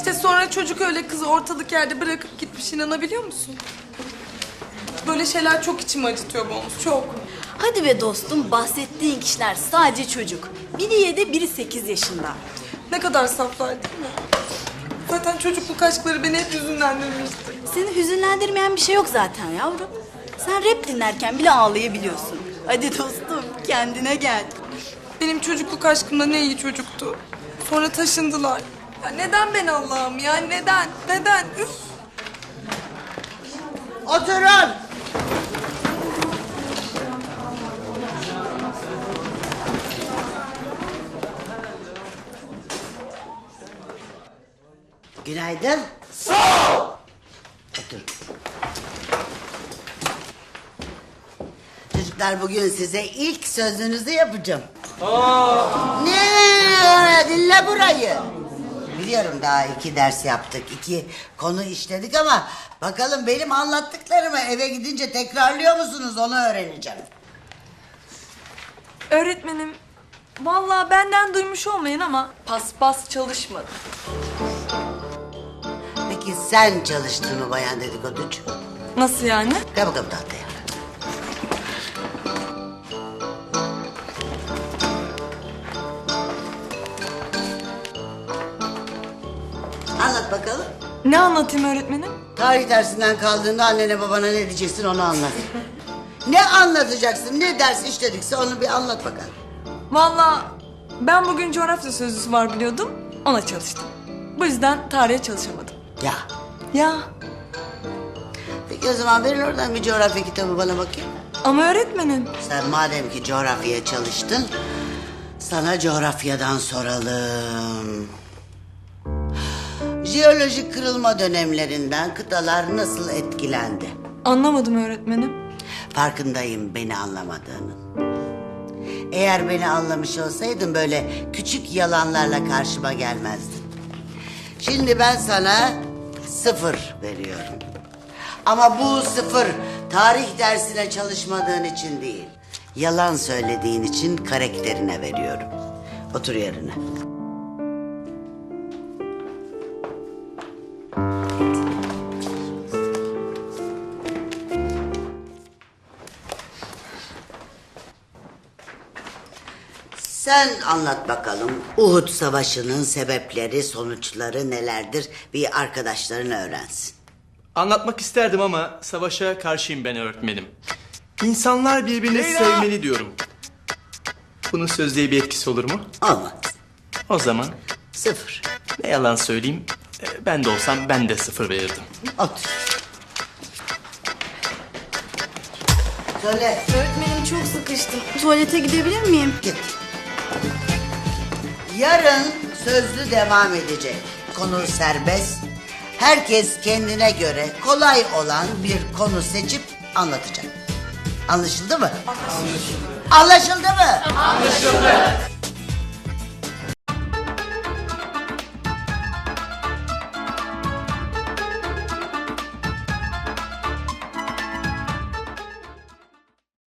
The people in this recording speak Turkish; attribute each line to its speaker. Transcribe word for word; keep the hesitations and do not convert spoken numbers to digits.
Speaker 1: İşte sonra çocuk öyle kızı ortalık yerde bırakıp gitmiş, inanabiliyor musun? Böyle şeyler çok içimi acıtıyor Bonus, çok.
Speaker 2: Hadi be dostum, bahsettiğin kişiler sadece çocuk. Biri yedi, biri sekiz yaşında.
Speaker 1: Ne kadar saflar değil mi? Zaten çocukluk aşkları beni hep hüzünlendirmişti.
Speaker 2: Seni hüzünlendirmeyen bir şey yok zaten yavrum. Sen rap dinlerken bile ağlayabiliyorsun. Hadi dostum, kendine gel.
Speaker 1: Benim çocukluk aşkımda ne iyi çocuktu. Sonra taşındılar. Ya neden ben Allah'ım ya? Neden? Neden? Üf!
Speaker 3: Oturun. Günaydın. Sağ ol. Otur. Çocuklar, bugün size ilk sözünüzü yapacağım. Aa. Ne? Dinle burayı. Biliyorum daha iki ders yaptık, iki konu işledik ama bakalım benim anlattıklarımı eve gidince tekrarlıyor musunuz, onu öğreneceğim.
Speaker 1: Öğretmenim, vallahi benden duymuş olmayın ama paspas çalışmadı.
Speaker 3: Peki sen çalıştın mı bayan dedikoducu?
Speaker 1: Nasıl yani?
Speaker 3: Gel bakalım tahtaya. Anlat bakalım.
Speaker 1: Ne anlatayım öğretmenim?
Speaker 3: Tarih dersinden kaldığında annene babana ne diyeceksin, onu anlat. Ne anlatacaksın, ne ders işledikse onu bir anlat bakalım.
Speaker 1: Vallahi ben bugün coğrafya sözlüsü var biliyordum, ona çalıştım. Bu yüzden tarihe çalışamadım.
Speaker 3: Ya.
Speaker 1: Ya
Speaker 3: Peki o zaman verin oradan bir coğrafya kitabı bana bakayım.
Speaker 1: ama öğretmenim.
Speaker 3: Sen madem ki coğrafyaya çalıştın, sana coğrafyadan soralım. Jeolojik kırılma dönemlerinden kıtalar nasıl etkilendi?
Speaker 1: Anlamadım öğretmenim.
Speaker 3: Farkındayım beni anlamadığının. Eğer beni anlamış olsaydın böyle küçük yalanlarla karşıma gelmezdin. Şimdi ben sana sıfır veriyorum. Ama bu sıfır tarih dersine çalışmadığın için değil, yalan söylediğin için karakterine veriyorum. Otur yerine. Sen anlat bakalım, Uhud Savaşı'nın sebepleri, sonuçları nelerdir? Bir arkadaşların öğrensin.
Speaker 4: Anlatmak isterdim ama savaşa karşıyım ben öğretmenim. İnsanlar birbirini sevmeli diyorum. Bunun sözlüğe bir etkisi olur mu?
Speaker 3: Olmaz.
Speaker 4: O zaman
Speaker 3: Sıfır.
Speaker 4: ne yalan söyleyeyim, e, ben de olsam ben de sıfır verirdim.
Speaker 3: Otur. Söyle.
Speaker 2: Öğretmenim çok sıkıştım. Tuvalete gidebilir miyim?
Speaker 3: Git. Yarın sözlü devam edecek. Konu serbest. Herkes kendine göre kolay olan bir konu seçip anlatacak. Anlaşıldı mı? Anlaşıldı. Anlaşıldı mı? Anlaşıldı.